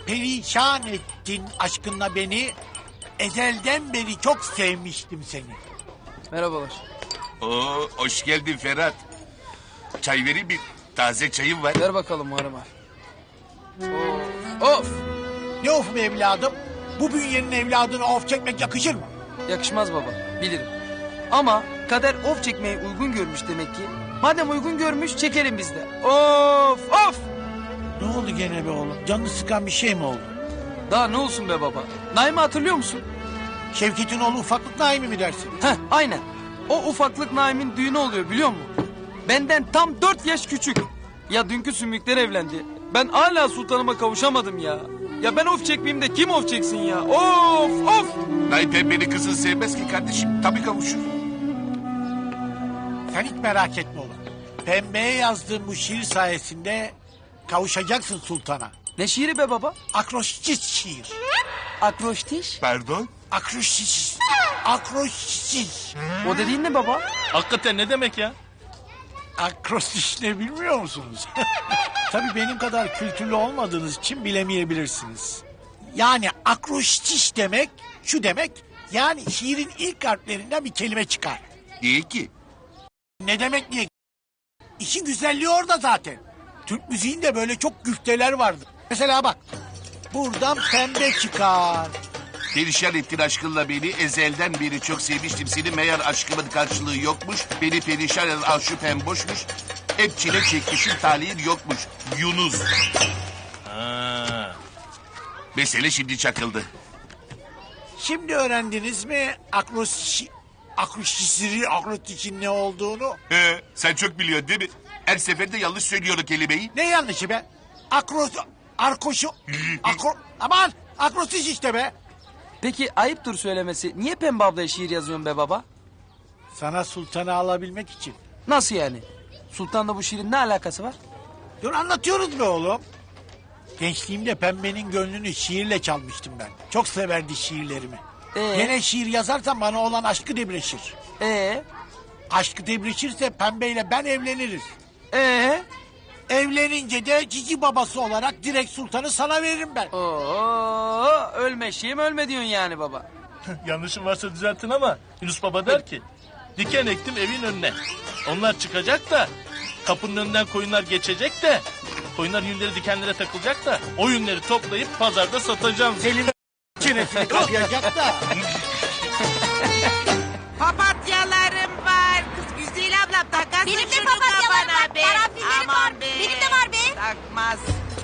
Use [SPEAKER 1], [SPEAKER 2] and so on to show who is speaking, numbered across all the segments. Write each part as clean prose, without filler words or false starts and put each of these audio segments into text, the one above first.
[SPEAKER 1] perişan ettin aşkınla beni. Ezelden beri çok sevmiştim seni.
[SPEAKER 2] Merhabalar.
[SPEAKER 3] Oo, hoş geldin Ferhat. Çay vereyim mi? Taze çayım var.
[SPEAKER 2] Ver bakalım Muharrem abi. Of!
[SPEAKER 1] Ne of be evladım? Bu bünyenin evladına of çekmek yakışır mı?
[SPEAKER 2] Yakışmaz baba, bilirim. Ama kader of çekmeyi uygun görmüş demek ki. Madem uygun görmüş, çekelim biz de. Of! Of!
[SPEAKER 1] Ne oldu gene be oğlum? Canını sıkan bir şey mi oldu?
[SPEAKER 2] Daha ne olsun be baba? Naim'i hatırlıyor musun?
[SPEAKER 1] Şevket'in oğlu ufaklık Naim'i mi dersin?
[SPEAKER 2] Heh, aynen. O ufaklık Naim'in düğünü oluyor biliyor musun? Benden tam 4 yaş küçük. Ya dünkü sümükler evlendi. Ben hala sultanıma kavuşamadım ya. Ya ben of çekmeyeyim de kim of çeksin ya? Of! Of!
[SPEAKER 3] Nay pembeni kızın sevmez ki kardeşim. Tabii kavuşur.
[SPEAKER 1] Sen hiç merak etme oğlum. Pembeye yazdığım bu şiir sayesinde kavuşacaksın sultana.
[SPEAKER 2] Ne şiiri be baba?
[SPEAKER 1] Akroşçit şiir.
[SPEAKER 2] Akroştiş.
[SPEAKER 3] Pardon?
[SPEAKER 1] Akroşçit. Akroşçit.
[SPEAKER 2] O dediğin ne baba?
[SPEAKER 4] Hakikaten ne demek ya?
[SPEAKER 1] Akrostiş ne bilmiyor musunuz? Tabii benim kadar kültürlü olmadığınız için bilemeyebilirsiniz. Yani akrostiş demek şu demek, yani şiirin ilk harflerinden bir kelime çıkar.
[SPEAKER 3] Niye ki?
[SPEAKER 1] Ne demek niye? İşin güzelliği orada zaten. Türk müziğinde böyle çok güfteler vardır. Mesela bak, buradan pembe çıkar.
[SPEAKER 3] Perişan ettin aşkınla beni. Ezelden beri çok sevmiştim seni. Meğer aşkımın karşılığı yokmuş. Beni perişan eden aşıpem boşmuş. Hep çile çekmişim, talihin yokmuş. Yunus.
[SPEAKER 4] Ha.
[SPEAKER 3] Mesele şimdi çakıldı.
[SPEAKER 1] Şimdi öğrendiniz mi akrostişin ne olduğunu?
[SPEAKER 3] Sen çok biliyorsun değil mi? Her seferinde yanlış söylüyor o kelimeyi.
[SPEAKER 1] Ne yanlışı be? Aman akrostiş işte be.
[SPEAKER 2] Peki ayıptır söylemesi. Niye Pembe ablaya şiir yazıyorsun be baba?
[SPEAKER 1] Sana sultanı alabilmek için.
[SPEAKER 2] Nasıl yani? Sultan'la bu şiirin ne alakası var?
[SPEAKER 1] Dur anlatıyoruz be oğlum. Gençliğimde pembenin gönlünü şiirle çalmıştım ben. Çok severdi şiirlerimi. Gene şiir yazarsam bana olan aşkı debreşir. Aşkı debreşirse pembeyle ben evleniriz. Evlenince de cici babası olarak direkt sultanı sana veririm ben.
[SPEAKER 2] Oo, ölme şeyim ölme diyorsun yani baba.
[SPEAKER 4] Yanlışım varsa düzeltin ama Yunus Baba der ki... Diken ektim evin önüne. Onlar çıkacak da... Kapının önünden koyunlar geçecek de... Koyunlar yünleri dikenlere takılacak da... O yünleri toplayıp pazarda satacağım.
[SPEAKER 1] Senin çenesini kapayacak da.
[SPEAKER 5] Papatyalarım var. Kız güzel ablam takasın
[SPEAKER 6] Benim de
[SPEAKER 5] şunu
[SPEAKER 6] papatyalarım
[SPEAKER 5] kafana
[SPEAKER 6] var.
[SPEAKER 5] be.
[SPEAKER 6] Karanfillerim
[SPEAKER 5] Aman
[SPEAKER 6] var.
[SPEAKER 5] be.
[SPEAKER 6] Benim de var be.
[SPEAKER 5] Takmaz.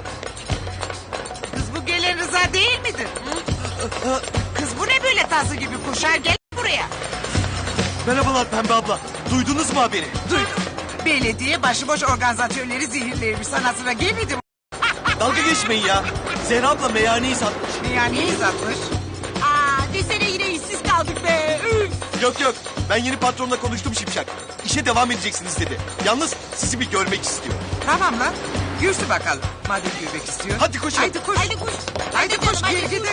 [SPEAKER 5] Kız bu gelen Rıza değil midir? Kız bu ne böyle tası gibi koşar gel buraya.
[SPEAKER 7] Merhabalar Pembe abla. Duydunuz mu haberi?
[SPEAKER 5] Duydum. Belediye başıboş organizatörleri zehirlemiş. Sana sıra gelmedi mi?
[SPEAKER 7] Dalga geçmeyin ya. Zehra abla meyhaneyi satmış.
[SPEAKER 5] Yani izatmış.
[SPEAKER 6] Aa, desene yine işsiz kaldık be. Üf.
[SPEAKER 7] Yok yok. Ben yeni patronla konuştum Şipşak. İşe devam edeceksiniz dedi. Yalnız sizi bir görmek istiyor.
[SPEAKER 5] Tamam lan. Görsün bakalım. Madem görmek istiyor.
[SPEAKER 7] Hadi koşun.
[SPEAKER 5] Haydi koş.
[SPEAKER 6] Haydi koş.
[SPEAKER 5] Haydi
[SPEAKER 6] Hadi
[SPEAKER 5] koş.
[SPEAKER 6] canım,
[SPEAKER 5] Gel
[SPEAKER 6] hadi.
[SPEAKER 5] gidelim.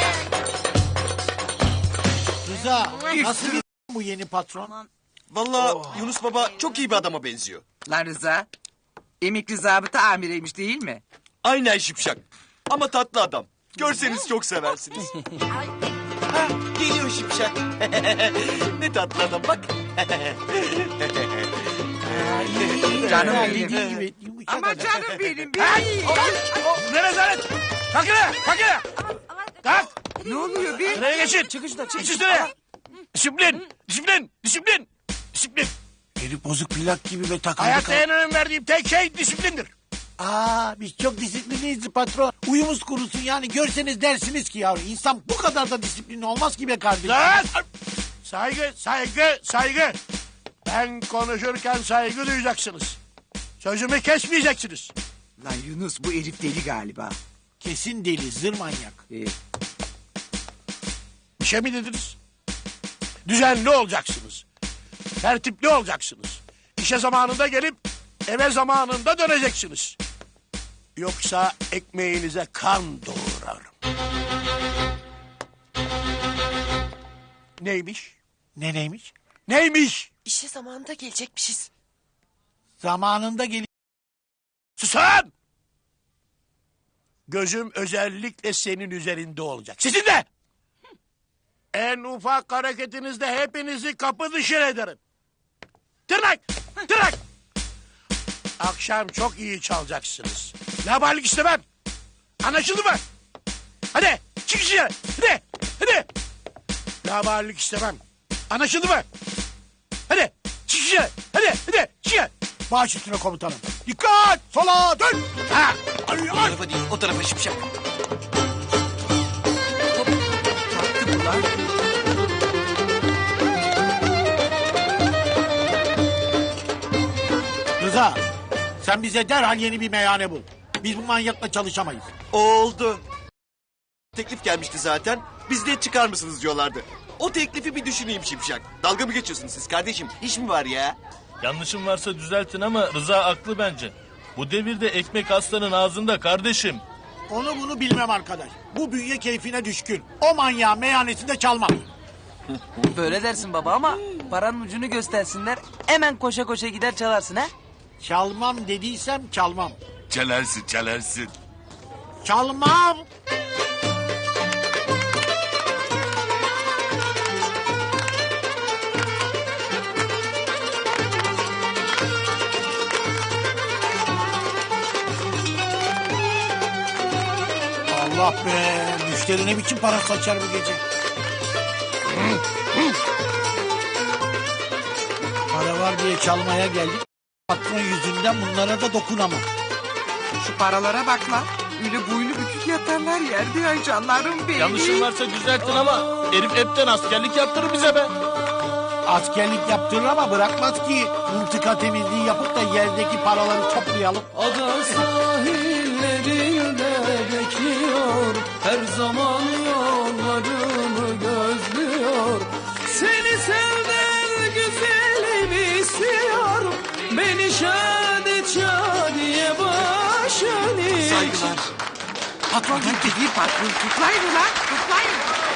[SPEAKER 1] Rıza nasıl bir bu yeni patron?
[SPEAKER 7] Vallahi Yunus baba çok iyi bir adama benziyor.
[SPEAKER 5] Lan Rıza. Emekli zabıta amireymiş değil mi?
[SPEAKER 7] Aynen Şipşak. Ama tatlı adam. Görseniz çok seversiniz. Ha, geliyor Şipşak. Ne tatlı adam bak.
[SPEAKER 5] Canım
[SPEAKER 1] Ha,
[SPEAKER 5] benim.
[SPEAKER 1] dediğin gibi yumuşak
[SPEAKER 5] Ama
[SPEAKER 1] adam.
[SPEAKER 5] canım benim. benim.
[SPEAKER 4] Ne rezalet! Kalk yine! Kalk yine! Kalk!
[SPEAKER 5] Ne oluyor be?
[SPEAKER 4] Sıraya geçin!
[SPEAKER 2] Çık şuradan çık.
[SPEAKER 4] Geç üstüne! Disiplin! Disiplin! Disiplin! Disiplin!
[SPEAKER 1] Herif bozuk plak gibi ve takıldı.
[SPEAKER 4] Hayatta en önem verdiğim tek şey disiplindir.
[SPEAKER 1] Biz çok disiplinliyiz patron. Uyumuz kurusun yani görseniz dersiniz ki yavrum. İnsan bu kadar da disiplinli olmaz ki be kardeşim.
[SPEAKER 4] Lan! Saygı, saygı, saygı. Ben konuşurken saygı duyacaksınız. Sözümü kesmeyeceksiniz.
[SPEAKER 5] Lan Yunus bu herif deli galiba.
[SPEAKER 1] Kesin deli zır manyak.
[SPEAKER 4] Bir şey mi dediniz? Düzenli olacaksınız. Tertipli olacaksınız. İşe zamanında gelip eve zamanında döneceksiniz. Yoksa ekmeğinize kan doğurarım. Neymiş?
[SPEAKER 1] Neymiş?
[SPEAKER 4] Neymiş?
[SPEAKER 6] İşe zamanında gelecekmişiz.
[SPEAKER 1] Zamanında gelip
[SPEAKER 4] Susun!
[SPEAKER 1] gözüm özellikle senin üzerinde olacak. Sizin de! En ufak hareketinizde hepinizi kapı dışarı ederim. Tırnak! Tırnak! Akşam çok iyi çalacaksınız. Laballik istemem. Anlaşıldı mı? Hadi çık dışarı. Hadi. Hadi. Laballik istemem. Anlaşıldı mı? Hadi çık dışarı. Hadi. Hadi çık. Baş üstüne komutanım. Dikkat! Sola dön! Ha! Ay,
[SPEAKER 7] O
[SPEAKER 1] ay.
[SPEAKER 7] tarafa değil, o tarafa Şipşak.
[SPEAKER 1] Rıza, sen bize derhal yeni bir meyhane bul. Biz bu manyakla çalışamayız.
[SPEAKER 7] Oldu. Teklif gelmişti zaten. Biz de çıkar mısınız diyorlardı. O teklifi bir düşüneyim Şipşak. Dalga mı geçiyorsunuz siz kardeşim? İş mi var ya?
[SPEAKER 4] Yanlışım varsa düzeltin ama Rıza haklı bence. Bu devirde ekmek aslanın ağzında kardeşim.
[SPEAKER 1] Onu bunu bilmem arkadaş. Bu bünye keyfine düşkün. O manyağın meyhanesinde çalmam.
[SPEAKER 2] Böyle dersin baba ama paranın ucunu göstersinler. Hemen koşa koşa gider çalarsın ha.
[SPEAKER 1] Çalmam dediysem çalmam.
[SPEAKER 3] Çalarsın çalarsın.
[SPEAKER 1] Çalmam. Allah be. Müşteri ne biçim para saçar bu gece. Para var diye çalmaya geldik. Patron yüzünden bunlara da dokunamam.
[SPEAKER 5] Şu paralara bak lan. Öyle boynu bükük yatarlar yerde ay canlarım benim.
[SPEAKER 4] Yanlışım varsa düzeltin ama herif hepten askerlik yaptırır bize be.
[SPEAKER 1] Askerlik yaptırır ama bırakmaz ki mıntıka temizliği yapıp da yerdeki paraları toplayalım.
[SPEAKER 2] Ada sahillerinde bekliyor, her zaman yollarımı gözlüyor. Seni sevden güzelim istiyor, beni şadi şadiye başını iç.
[SPEAKER 7] Saygılar.
[SPEAKER 5] Patron gitti değil patron. Tutlayın ulan tutlayın.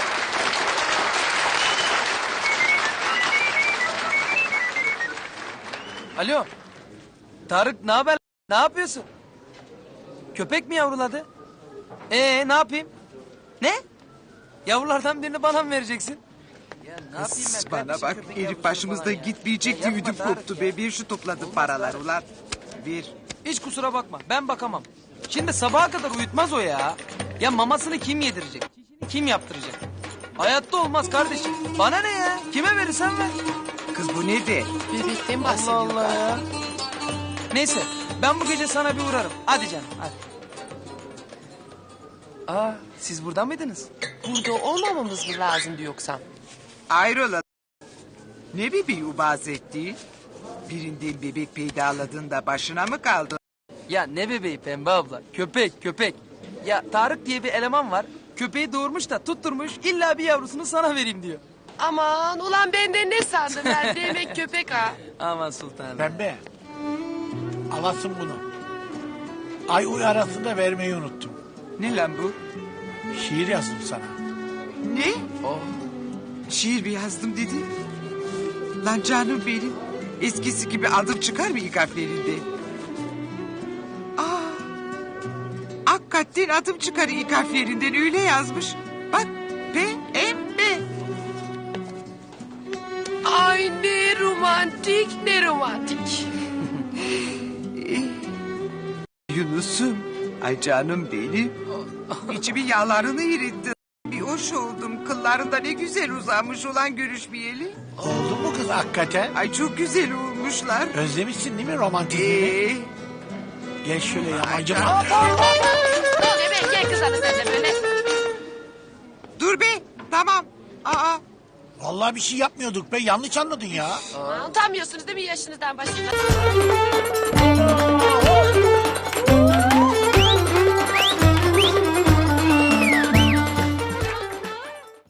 [SPEAKER 2] Alo, Tarık ne haber? Ne yapıyorsun? Köpek mi yavruladı? Ne yapayım? Ne? Yavrulardan birini bana mı vereceksin? Ya ne yapayım ben?
[SPEAKER 5] Bana
[SPEAKER 2] kardeşim,
[SPEAKER 5] bak
[SPEAKER 2] köpek
[SPEAKER 5] herif
[SPEAKER 2] yavrusu
[SPEAKER 5] başımızda
[SPEAKER 2] falan ya.
[SPEAKER 5] gitmeyecekti
[SPEAKER 2] Ya yapma
[SPEAKER 5] ödüm
[SPEAKER 2] Tarık
[SPEAKER 5] koptu
[SPEAKER 2] ya.
[SPEAKER 5] be. Bir şu topladı paralar ulan. Bir.
[SPEAKER 2] Hiç kusura bakma ben bakamam. Şimdi sabaha kadar uyutmaz o ya. Ya mamasını kim yedirecek? Çişini kim yaptıracak? Hayatta olmaz kardeşim. Bana ne ya? Kime verirsen ver.
[SPEAKER 5] Kız bu ne de?
[SPEAKER 6] Bebekten
[SPEAKER 2] Allah
[SPEAKER 6] bahsediyor.
[SPEAKER 2] Allah ya. Neyse ben bu gece sana bir uğrarım. Hadi canım hadi. Siz burada mıydınız?
[SPEAKER 6] Burada olmamamız mı lazımdı yoksa?
[SPEAKER 5] Ayrola. Ne bebeği ubaz etti? Birinden bebek peydaladığında başına mı kaldı?
[SPEAKER 2] Ya ne bebeği Pembe abla? Köpek. Ya Tarık diye bir eleman var. Köpeği doğurmuş da tutturmuş illa bir yavrusunu sana vereyim diyor.
[SPEAKER 6] Aman ulan benden ne sandın ben demek köpek ha.
[SPEAKER 2] Aman sultanım.
[SPEAKER 1] Pembe. Alasın bunu. Ay uy arasında vermeyi unuttum.
[SPEAKER 5] Ne lan bu?
[SPEAKER 1] Şiir yazdım sana.
[SPEAKER 5] Ne?
[SPEAKER 2] Oh.
[SPEAKER 5] Şiir mi yazdım dedi? Lan canım benim. Eskisi gibi adım çıkar mı ilk harflerinde? Hakikaten adım çıkar ilk harflerinden öyle yazmış. Bak P-M-B.
[SPEAKER 6] Ay ne romantik ne romantik.
[SPEAKER 5] Yunus'um. Ay canım benim. İçimin yağlarını eritti. Bir hoş oldum. Kıllarında ne güzel uzanmış olan görüşmeyeli.
[SPEAKER 1] Oldu mu kız hakikaten?
[SPEAKER 5] Ay çok güzel olmuşlar.
[SPEAKER 1] Özlemişsin değil mi romantizmi? Gel şöyle yamancı.
[SPEAKER 6] Oluyor be gel kız hadi sen de böyle.
[SPEAKER 5] Dur be. Tamam.
[SPEAKER 1] Vallahi bir şey yapmıyorduk be yanlış anladın ya.
[SPEAKER 6] Utanmıyorsunuz değil mi yaşınızdan başınızdan?